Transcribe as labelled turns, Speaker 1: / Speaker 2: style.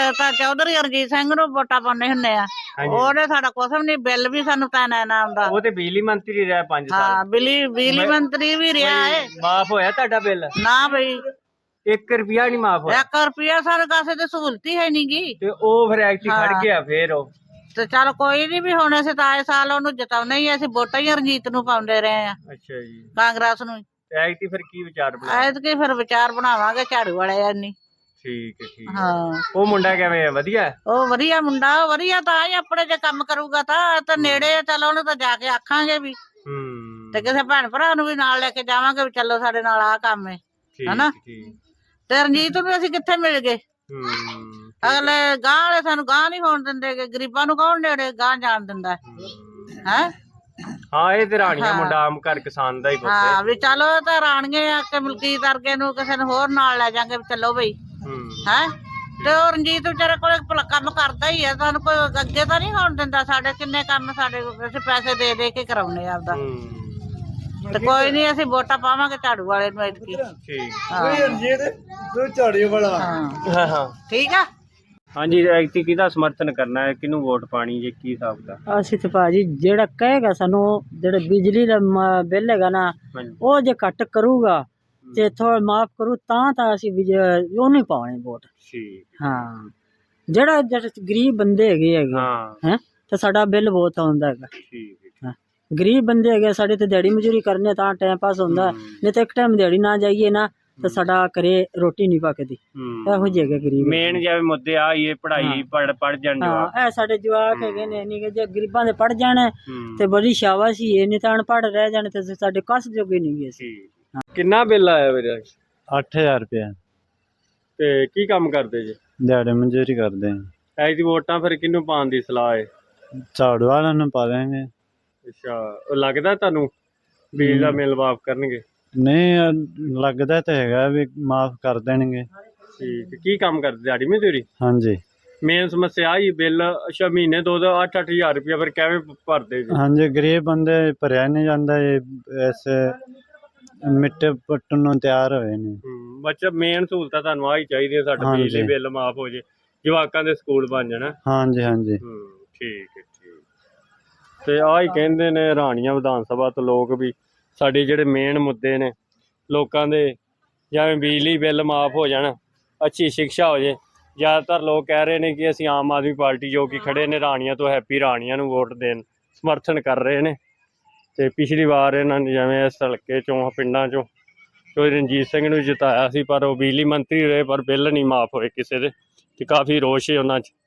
Speaker 1: ਤਾਂ ਚੌਧਰੀ ਰਣਜੀਤ ਸਿੰਘ ਨੂੰ ਵੋਟਾਂ ਪਾਉਂਦੇ ਹੁੰਦੇ ਆ। ਉਹਨੇ ਸਾਡਾ ਕੁਛ ਵੀ ਨਹੀਂ, ਬਿੱਲ ਵੀ ਸਾਨੂੰ ਤਾਂ ਨਾ ਆਉਂਦਾ।
Speaker 2: ਉਹ ਤੇ ਬਿਜਲੀ ਮੰਤਰੀ ਰਿਹਾ 5 ਸਾਲ।
Speaker 1: ਹਾਂ, ਬਿਜਲੀ ਮੰਤਰੀ ਵੀ ਰਿਹਾ ਹੈ।
Speaker 2: ਮਾਫ ਹੋਇਆ ਤੁਹਾਡਾ ਬਿੱਲ?
Speaker 1: ਨਾ ਬਈ,
Speaker 2: 1 ਰੁਪਿਆ ਨਹੀਂ ਮਾਫ ਹੋਇਆ।
Speaker 1: 1 ਰੁਪਿਆ ਸਾਡੇ ਕਾਸੇ ਤੇ ਸਹੂਲਤ ਹੀ ਹੈ ਨੀ ਗੀ।
Speaker 2: ਤੇ ਉਹ ਫਿਰ ਐਕਟੀ ਖੜ ਗਿਆ ਫੇਰ ਉਹ।
Speaker 1: ਤੇ ਚੱਲ ਕੋਈ ਨੀ, ਵੀ ਹੁਣ ਅਸੀਂ ਤਾਂ ਆਏ ਸਾਲ ਉਹਨੂੰ ਜਿਤਾਉਣਾ ਹੀ, ਅਸੀਂ ਵੋਟਾਂ ਹੀ ਰਣਜੀਤ ਨੂੰ ਪਾਉਂਦੇ ਰਹੇ ਆ।
Speaker 2: ਅੱਛਾ ਜੀ,
Speaker 1: ਕਾਂਗਰਸ ਨੂੰ।
Speaker 2: ਐਕਟੀ ਫਿਰ ਕੀ ਵਿਚਾਰ ਬਣਾ?
Speaker 1: ਐਤਕੀ ਫਿਰ ਵਿਚਾਰ ਬਣਾਵਾਂਗੇ ਝਾੜੂ ਵਾਲੇ ਨਹੀਂ।
Speaker 2: ਠੀਕ ਹੈ, ਠੀਕ।
Speaker 1: ਹਾਂ,
Speaker 2: ਉਹ ਮੁੰਡਾ ਕਿਵੇਂ ਆ? ਵਧੀਆ?
Speaker 1: ਉਹ ਵਧੀਆ ਮੁੰਡਾ, ਉਹ ਵਧੀਆ ਤਾਂ ਹੀ ਆਪਣੇ ਜੇ ਕੰਮ ਕਰੂਗਾ ਤਾਂ ਨੇੜੇ ਆ, ਚੱਲ ਉਹਨੂੰ ਤਾਂ ਜਾ ਕੇ ਆਖਾਂਗੇ ਵੀ। ਤੇ ਕਿਸੇ ਭੈਣ ਭਰਾ ਨੂੰ ਵੀ ਨਾਲ ਲੈ ਕੇ ਜਾਵਾਂਗੇ ਵੀ ਚਲੋ ਸਾਡੇ ਨਾਲ ਆਹ ਕੰਮ ਹੈ, ਹਨਾ। ਤੇ ਰਣਜੀਤ ਨੂੰ ਅਸੀਂ ਕਿੱਥੇ ਮਿਲ ਗਏ? ਅਗਲੇ ਗਾਂ ਵਾਲੇ ਸਾਨੂੰ ਗਾਂ ਨੀ ਹੋਣ ਦਿੰਦੇ, ਗਰੀਬਾਂ ਨੂੰ ਕੌਣ ਨੇੜੇ ਗਾਂ ਜਾਣ ਦਿੰਦਾ ਹੈ?
Speaker 2: ਹਾਂ, ਇਹ ਤੇ ਰਾਣੀਆਂ ਮੁੰਡਾ ਆਮ ਘਰ ਕਿਸਾਨ ਦਾ ਹੀ ਪੁੱਤ ਹੈ।
Speaker 1: ਹਾਂ, ਵੀ ਚਲੋ ਤਾਂ ਰਾਣੀਏ ਆ ਕੇ ਮਲਕੀਤ ਵਰਗੇ ਨੂੰ ਕਿਸੇ ਨੂੰ ਹੋਰ ਨਾਲ ਲੈ ਜਾਾਂਗੇ, ਚਲੋ ਬਈ ਹੈ। ਤੇ ਉਹ ਰਣਜੀਤ ਵਿਚਾਰੇ ਕੋਲ ਕੰਮ ਕਰਦਾ ਹੀ ਆ, ਸਾਨੂੰ ਕੋਈ ਅੱਗੇ ਤਾਂ ਨਹੀਂ ਹੋਣ ਦਿੰਦਾ। ਸਾਡੇ ਕਿੰਨੇ ਕੰਮ ਸਾਡੇ ਅਸੀਂ ਪੈਸੇ ਦੇ ਦੇ ਕੇ ਕਰਾਉਨੇ ਆਪਦਾ। ਤੇ ਕੋਈ ਨੀ, ਅਸੀਂ ਵੋਟਾਂ ਪਾਵਾਂਗੇ ਝਾੜੂ ਵਾਲੇ ਨੂੰ ਐਤਕੀ। ਠੀਕ ਆ।
Speaker 2: ਹਾਂਜੀ, ਐਤਕੀ ਕਿਹਦਾ ਸਮਰਥਨ ਕਰਨਾ ਹੈ, ਕਿਹਨੂੰ ਵੋਟ ਪਾਣੀ ਜੇ, ਕੀ ਹਿਸਾਬ ਦਾ?
Speaker 3: ਅਸੀਂ ਤੇ ਭਾਜੀ ਜਿਹੜਾ ਕਹੇਗਾ ਸਾਨੂੰ, ਜਿਹੜੇ ਬਿਜਲੀ ਦਾ ਬਿੱਲ ਹੈਗਾ ਨਾ, ਉਹ ਜੇ ਘੱਟ ਕਰੂਗਾ ਤੇ ਥੋੜਾ ਮਾਫ ਕਰੂ ਤਾਂ ਅਸੀਂ ਉਹਨੂੰ ਪਾਉਣੇ ਵੋਟ। ਹਾਂ, ਜਿਹੜਾ ਗਰੀਬ ਬੰਦੇ ਹੈਗੇ ਹੈ ਤੇ ਸਾਡਾ ਬਿੱਲ ਬਹੁਤ ਆਉਂਦਾ ਹੈਗਾ। ਗਰੀਬ ਬੰਦੇ ਹੈਗੇ ਸਾਡੇ ਤੇ ਦਿਹਾੜੀ ਮਜ਼ਦੂਰੀ ਕਰਨੇ ਤਾਂ ਟਾਈਮ ਪਾਸ ਹੁੰਦਾ, ਨਹੀਂ ਤਾਂ ਇੱਕ ਟਾਈਮ ਦਿਹਾੜੀ ਨਾ ਜਾਈਏ ਨਾ ਤੇ ਸਾਡਾ ਘਰੇ ਰੋਟੀ ਨਹੀਂ ਪੱਕਦੀ। ਇਹੋ ਜਿਹੇ ਹੈਗੇ ਗਰੀਬ।
Speaker 2: ਮੇਨ ਜਿਵੇਂ ਮੁੱਦੇ ਆ ਇਹ ਪੜ੍ਹਾਈ ਪੜ੍ਹ ਜਾਣ ਜਵਾਕ।
Speaker 3: ਇਹ ਸਾਡੇ ਜਵਾਕ ਹੈਗੇ ਨੇ, ਨਹੀਂ ਜੇ ਗਰੀਬਾਂ ਦੇ ਪੜ੍ਹ ਜਾਣ ਤੇ ਬੜੀ ਸ਼ਾਬਾਸ਼ ਹੀ, ਨਹੀਂ ਤਾਂ ਅਨਪੜ੍ਹ ਰਹਿ ਜਾਣ ਤੇ ਸਾਡੇ ਕਸ ਜੋਗੇ ਨਹੀਂ ਗਏ ਸੀ।
Speaker 2: ਕਿੰਨਾ ਬਿੱਲ ਆਇਆ ਵੀਰੇ?
Speaker 4: 8000 ਰੁਪਇਆ।
Speaker 2: ਤੇ ਕੀ ਕੰਮ ਕਰਦੇ ਜੀ?
Speaker 4: ਦਿਹਾੜੀ ਮਜ਼ਦੂਰੀ ਕਰਦੇ ਹਾਂ।
Speaker 2: ਐਤਕੀ ਵੋਟਾਂ ਫਿਰ ਕਿਹਨੂੰ ਪਾਉਣ ਦੀ ਸਲਾਹ ਹੈ?
Speaker 4: ਝਾੜੂ ਵਾਲਿਆਂ ਨੂੰ ਪਾ ਦੇਂਗੇ।
Speaker 2: ਅੱਛਾ, ਉਹ ਲੱਗਦਾ ਤੁਹਾਨੂੰ ਬਿਜਲੀ ਦਾ ਬਿੱਲ ਮਾਫ ਕਰਨਗੇ?
Speaker 4: ਨਹੀਂ, ਲੱਗਦਾ ਤਾਂ ਹੈਗਾ ਵੀ ਮਾਫ ਕਰ ਦੇਣਗੇ।
Speaker 2: ਠੀਕ। ਕੀ ਕੰਮ ਕਰਦੇ? ਦਿਹਾੜੀ ਮਜ਼ਦੂਰੀ?
Speaker 4: ਹਾਂਜੀ।
Speaker 2: ਮੇਨ ਸਮੱਸਿਆ ਆਹੀ ਬਿੱਲ। ਅੱਛਾ, ਮਹੀਨੇ 2-8 ਹਜ਼ਾਰ ਰੁਪਇਆ ਫਿਰ ਕਿਵੇਂ ਭਰਦੇ ਜੀ?
Speaker 4: ਹਾਂਜੀ, ਗਰੀਬ ਬੰਦੇ ਭਰਿਆ ਨਹੀਂ ਜਾਂਦਾ, ਐਸੇ ਮਿੱਟੇ ਪੱਟਣ ਨੂੰ ਤਿਆਰ ਹੋਏ ਨੇ।
Speaker 2: ਬੱਚਾ ਮੇਨ ਸਹੂਲਤਾਂ ਤੁਹਾਨੂੰ ਆਹੀ ਚਾਹੀਦੀਆਂ, ਸਾਡਾ ਬਿਜਲੀ ਬਿੱਲ ਮਾਫ ਹੋ ਜੇ, ਜਵਾਕਾਂ ਦੇ ਸਕੂਲ ਬਣ ਜਾਣ।
Speaker 4: ਹਾਂਜੀ ਹਾਂਜੀ।
Speaker 2: ਠੀਕ ਹੈ, ਠੀਕ। ਤੇ ਆਹ ਹੀ ਕਹਿੰਦੇ ਨੇ ਰਾਣੀਆਂ ਵਿਧਾਨ ਸਭਾ ਤੋਂ ਲੋਕ ਵੀ ਸਾਡੇ ਜਿਹੜੇ ਮੇਨ ਮੁੱਦੇ ਨੇ ਲੋਕਾਂ ਦੇ, ਜਿਵੇਂ ਬਿਜਲੀ ਬਿੱਲ ਮਾਫ ਹੋ ਜਾਣ, ਅੱਛੀ ਸਿੱਖਿਆ ਹੋ ਜੇ। ਜ਼ਿਆਦਾਤਰ ਲੋਕ ਕਹਿ ਰਹੇ ਨੇ ਕਿ ਅਸੀਂ ਆਮ ਆਦਮੀ ਪਾਰਟੀ ਜੋ ਕਿ ਖੜੇ ਨੇ ਰਾਣੀਆਂ ਤੋਂ, ਹੈਪੀ ਰਾਣੀਆਂ ਨੂੰ ਵੋਟ ਦੇਣ ਸਮਰਥਨ ਕਰ ਰਹੇ ਨੇ। ਤੇ ਪਿਛਲੀ ਵਾਰ ਇਹਨਾਂ ਨੇ ਜਿਵੇਂ ਇਸ ਹਲਕੇ ਚੋਂ ਪਿੰਡਾਂ ਚੋਂ ਕੋਈ ਰਣਜੀਤ ਸਿੰਘ ਨੂੰ ਜਿਤਾਇਆ ਸੀ, ਪਰ ਉਹ ਬਿਜਲੀ ਮੰਤਰੀ ਰਹੇ ਪਰ ਬਿੱਲ ਨਹੀਂ ਮਾਫ ਹੋਏ ਕਿਸੇ ਦੇ, ਤੇ ਕਾਫੀ ਰੋਸ਼ ਹੈ ਉਹਨਾਂ 'ਚ।